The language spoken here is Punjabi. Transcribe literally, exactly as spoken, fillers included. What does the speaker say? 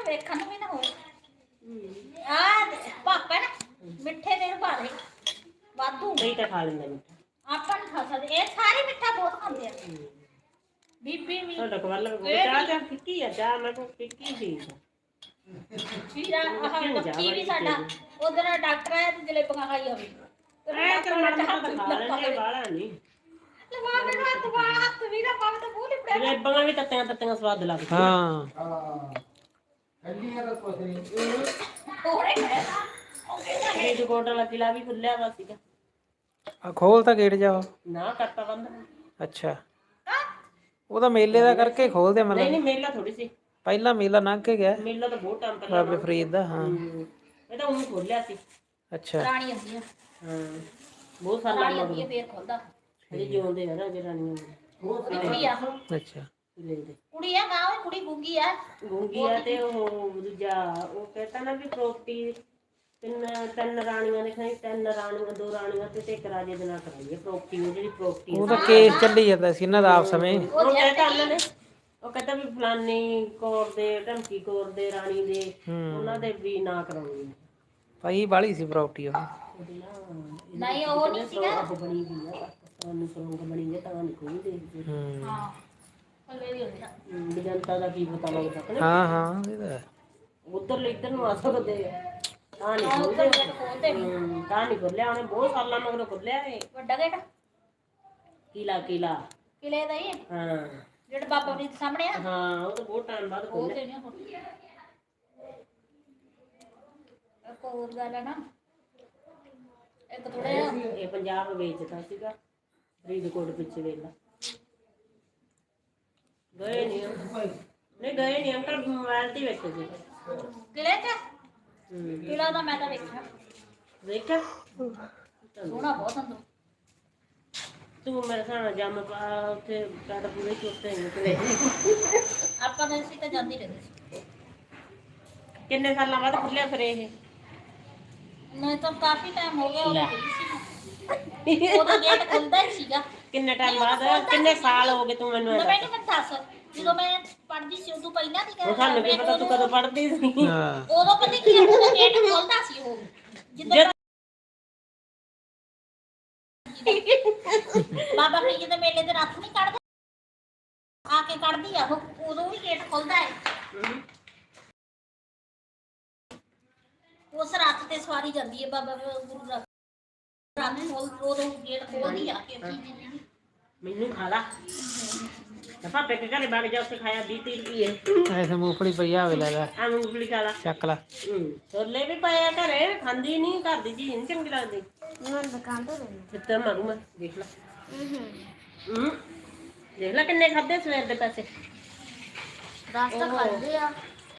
ਵੇਖਣ ਨੂੰ ਵੀ ਨਾ ਹੋਵੇ ਆ ਪਾਪਾ ਨਾ ਮਿੱਠੇ ਦੇ ਪਾ ਦੇ ਵਾਧੂ ਨਹੀਂ ਤਾਂ ਖਾ ਲੈਂਦਾ ਮਿੱਠਾ ਆਪਾਂ ਨਹੀਂ ਖਾ ਸਕਦੇ ਇਹ ਸਾਰੇ ਮਿੱਠਾ ਬਹੁਤ ਖਾਂਦੇ ਆ ਬੀਬੀ ਵੀ ਤੁਹਾਡਾ ਕਵਲ ਚਾਹ ਚਾਹ ਫਿੱਕੀ ਆ ਚਾਹ ਮੈਂ ਕੋ ਫਿੱਕੀ ਸੀ ਵੀਰਾ ਆਹ ਲੱਕੀ ਵੀ ਸਾਡਾ ਉਧਰ ਡਾਕਟਰ ਆਇਆ ਤੇ ਜਲੇਬੀਆਂ ਖਾਈ ਹੋਵੇ ਐ ਕਰ ਮਾੜਾ ਮੋਟਾ ਤਾਂ ਖਾ ਲੈਂਦੇ ਬਾਹਲਾ ਨਹੀਂ ਲਵਾ ਕੇ ਹੱਥ ਵਾ ਹੱਥ ਵੀਰਾ ਪਾਵੇ ਤਾਂ ਬੂਲੀ ਪੜਿਆ ਜਲੇਬੀਆਂ ਵੀ ਤੱਤੀਆਂ ਤੱਤੀਆਂ ਸਵਾਦ ਲੱਗਦੀਆਂ ਹਾਂ ਹਾਂ ਠੰਡੀਆਂ ਦਾ ਕੁਛ ਨਹੀਂ ਥੋੜੇ ਖੜੇ ਇਹ ਜੋ ਕੋਟਾ ਲੱਗੀ ਲਾ ਵੀ ਖੁੱਲਿਆ ਵਾ ਸੀਗਾ ਆ ਖੋਲ ਤਾਂ ਗੇਟ ਜਾ ਨਾ ਕਰਤਾ ਬੰਦ ਅੱਛਾ ਉਹਦਾ ਮੇਲੇ ਦਾ ਕਰਕੇ ਖੋਲਦੇ ਨਹੀਂ ਮਤਲਬ ਨਹੀਂ ਮੇਲਾ ਥੋੜੀ ਸੀ ਪਹਿਲਾ ਮੇਲਾ ਲੰਘ ਕੇ ਗਿਆ ਮੇਲਾ ਤਾਂ ਬਹੁਤ ਟਾਈਮ ਪਹਿਲਾਂ ਬਾਬੇ ਫਰੀਦ ਦਾ ਹਾਂ ਇਹ ਤਾਂ ਉਹਨੂੰ ਖੋਲਿਆ ਸੀ ਅੱਛਾ ਰਾਣੀ ਆਉਂਦੀ ਆ ਹਾਂ ਬਹੁਤ ਸਾਲ ਰਾਣੀ ਆਉਂਦੀ ਆ ਫੇਰ ਖੁੱਲਦਾ ਹਜੇ ਜਿਉਂਦੇ ਆ ਰਾਜੇ ਰਾਣੀਆਂ ਬਹੁਤ ਕੁੜੀ ਆ ਅੱਛਾ ਲੈ ਦੇ ਕੁੜੀ ਆ ਗਾਂ ਕੁੜੀ ਗੁੱਗੀ ਆ ਗੂੰਗੀ ਆ ਤੇ ਉਹ ਦੂਜਾ ਉਹ ਕਹਿੰਦਾ ਨਾ ਵੀ ਪ੍ਰੋਪਰਟੀ ਤਿੰਨ ਤਿੰਨ ਰਾਣੀਆਂ ਨੇ ਖਾਈ ਤਿੰਨ ਰਾਣੀਆਂ ਦੋ ਰਾਣੀਆਂ ਤੇ ਇੱਕ ਰਾਜੇ ਦੇ ਨਾਲ ਕਰਾਈ ਹੈ ਪ੍ਰੋਪਰਟੀ ਉਹ ਜਿਹੜੀ ਪ੍ਰੋਪਰਟੀ ਉਹਦਾ ਕੇਸ ਚੱਲੀ ਜਾਂਦਾ ਸੀ ਇਹਨਾਂ ਦਾ ਆਪ ਸਮੇਂ ਉਹ ਕਹਿੰਦਾ ਉਹਨਾਂ ਨੇ ਉਹ ਕਹਿੰਦਾ ਵੀ ਫਲਾਨੀ ਕੌਰ ਦੇ ਢਮਕੀ ਕੌਰ ਦੇ ਰਾਣੀ ਦੇ ਉਹਨਾਂ ਦੇ ਵੀ ਨਾ ਕਰਾਉਣੀ ਭਾਈ ਬਾਲੀ ਸੀ ਪ੍ਰਾਪਰਟੀ ਉਹ ਉਹਦੀ ਨਾ ਨਹੀਂ ਉਹ ਨਹੀਂ ਸੀਗਾ ਉਹ ਬਣੀ ਗਈ ਆ ਪਾਕਿਸਤਾਨ ਨੂੰ ਸਰੰਗ ਬਣੀ ਹੈ ਤਾਂ ਨਹੀਂ ਕੋਈ ਦੇਖਦੇ ਹੂੰ ਹਾਂ ਹਲੇ ਵੀ ਹੁੰਦਾ ਵੀ ਜਨਤਾ ਦਾ ਕੀ ਪਤਾ ਲੱਗਦਾ ਕਿ ਹਾਂ ਹਾਂ ਇਹ ਤਾਂ ਹੈ। ਉਧਰ ਇੱਧਰ ਨੂੰ ਆ ਸਕਦੇ ਆ ਤਾਂ ਨਹੀਂ ਉੱਧਰ ਖੋਲਦੇ ਗੇਟ ਖੋਲਦੇ ਨੀ। ਹਮ, ਤਾਂ ਨਹੀਂ ਖੋਲਿਆ ਉਹਨੇ ਬਹੁਤ ਸਾਲਾਂ ਮਗਰੋਂ ਖੋਲਿਆ ਇਹ ਵੱਡਾ ਗੇਟ ਕਿਲਾ ਕਿਲਾ ਕਿਲੇ ਦਾ ਹੀ ਹਾਂ ਜਿਹੜਾ ਬਾਬਾ ਫਰੀਦ ਦੇ ਸਾਹਮਣੇ ਆ ਹਾਂ ਉਹ ਤਾਂ ਬਹੁਤ ਟਾਈਮ ਬਾਅਦ ਉਹ ਖੋਲਿਆ ਤੇ ਨਹੀਂ ਹੁਣ ਇੱਕ ਹੋਰ ਗੱਲ ਆ ਨਾ ਇੱਕ ਥੋੜਾ ਇਹ ਪੰਜਾਬ ਵੇਚਦਾ ਸੀਗਾ ਫਰੀਦਕੋਟ ਪਿੱਛੇ ਵੇਲਾ ਗਏ ਨਹੀਂ ਨਹੀਂ ਗਏ ਨਹੀਂ ਅੰਕਲ ਮੋਬਾਈਲ ਤੇ ਵੇਖੇ ਸੀ ਕਿਲੇ ਚ ਹੂੰ ਕਿਲਾ ਦਾ ਮੈਂ ਤਾਂ ਵੇਖਿਆ ਦੇਖਿਆ ਸੋਹਣਾ ਬਹੁਤ ਅੰਦਰ ਤੂੰ ਮੇਰੇ ਸਾਹਮਣੇ ਜੰਮ ਪਾ ਉੱਥੇ ਟਾਟਾ ਪੂਰੇ ਚੁੱਤੇ ਹੀ ਨਿਕਲੇ ਆਪਾਂ ਤਾਂ ਅਸੀਂ ਤਾਂ ਜਾਂਦੀ ਰਹਿੰਦੇ ਸੀ ਕਿੰਨੇ ਸਾਲਾਂ ਬਾਅਦ ਖੁੱਲਿਆ ਫਿਰ ਇਹ ਨਹੀਂ ਤਾਂ ਕਾਫੀ ਟਾਈਮ ਹੋ ਗਿਆ ਉਹ ਸੀ ਉਹਦਾ ਗੇਟ ਖੁੱਲਦਾ ਹੀ ਸੀਗਾ ਕਿੰਨੇ ਟਾਈਮ ਬਾਅਦ ਕਿੰਨੇ ਸਾਲ ਹੋ ਗਏ ਤੂੰ ਮੈਨੂੰ ਨਾ ਇਹ ਬੈਠੀ ਮੈਂ ਦੱਸ ਜਦੋਂ ਮੈਂ ਪੜ੍ਹਦੀ ਸੀ ਉਦੋਂ ਪਹਿਲਾਂ ਦੀ ਉਹ ਸਾਨੂੰ ਕੀ ਪਤਾ ਤੂੰ ਕਦੋਂ ਪੜ੍ਹਦੀ ਸੀ ਹਾਂ ਉਦੋਂ ਪਤਾ ਕੀ ਉਹਦਾ ਗੇਟ ਖੁੱਲਦਾ ਸੀ ਉਹ ਜਿੱਦਾਂ ਬਾਬਾ ਫਰੀਦ ਦੇ ਮੇਲੇ ਦੇ ਰੱਥ ਨਹੀਂ ਕੱਢਦੇ ਆ ਕੇ ਕੱਢਦੀ ਆ ਉਹ ਉਦੋਂ ਵੀ ਗੇਟ ਖੁੱਲਦਾ ਹੈ ਉਸ ਰੱਥ ਤੇ ਸਵਾਰੀ ਜਾਂਦੀ ਹੈ ਬਾਬਾ ਗੁਰੂ ਰੱਥ ਰੱਥ ਖੋਲ ਉਦੋਂ ਗੇਟ ਖੋਲਦੀ ਆ ਕੇ ਮੈਨੂੰ ਖਾ ਲਾ ਦਫਾ ਪੇ ਕੇ ਘਰੇ ਬਾਗ ਜਾ ਉੱਥੇ ਖਾਇਆ ਵੀਹ ਤੀਹ ਰੁਪਏ ਐਸੇ ਮੂੰਗਫਲੀ ਪਈਆ ਹੋਵੇ ਲੈ ਲੈ ਆ ਮੂੰਗਫਲੀ ਖਾ ਲਾ ਚੱਕ ਲਾ ਹੂੰ ਛੋਲੇ ਵੀ ਪਏ ਆ ਘਰੇ ਖਾਂਦੀ ਨਹੀਂ ਘਰ ਦੀ ਚੀਜ਼ ਨਹੀਂ ਚੰਗੀ ਲੱਗਦੀ ਮੈਂ ਦੁਕਾਨ ਤੋਂ ਲੈਣੀ ਕਿੱਥੇ ਮਾਰੂ ਮੈਂ ਦੇਖ ਲਾ ਹੂੰ ਹੂੰ ਦੇਖ ਲੈ ਕਿੰਨੇ ਖਾਦੇ ਸਵੇਰ ਦੇ ਪੈਸੇ ਦਸ ਤਾਂ ਖਾਂਦੇ ਆ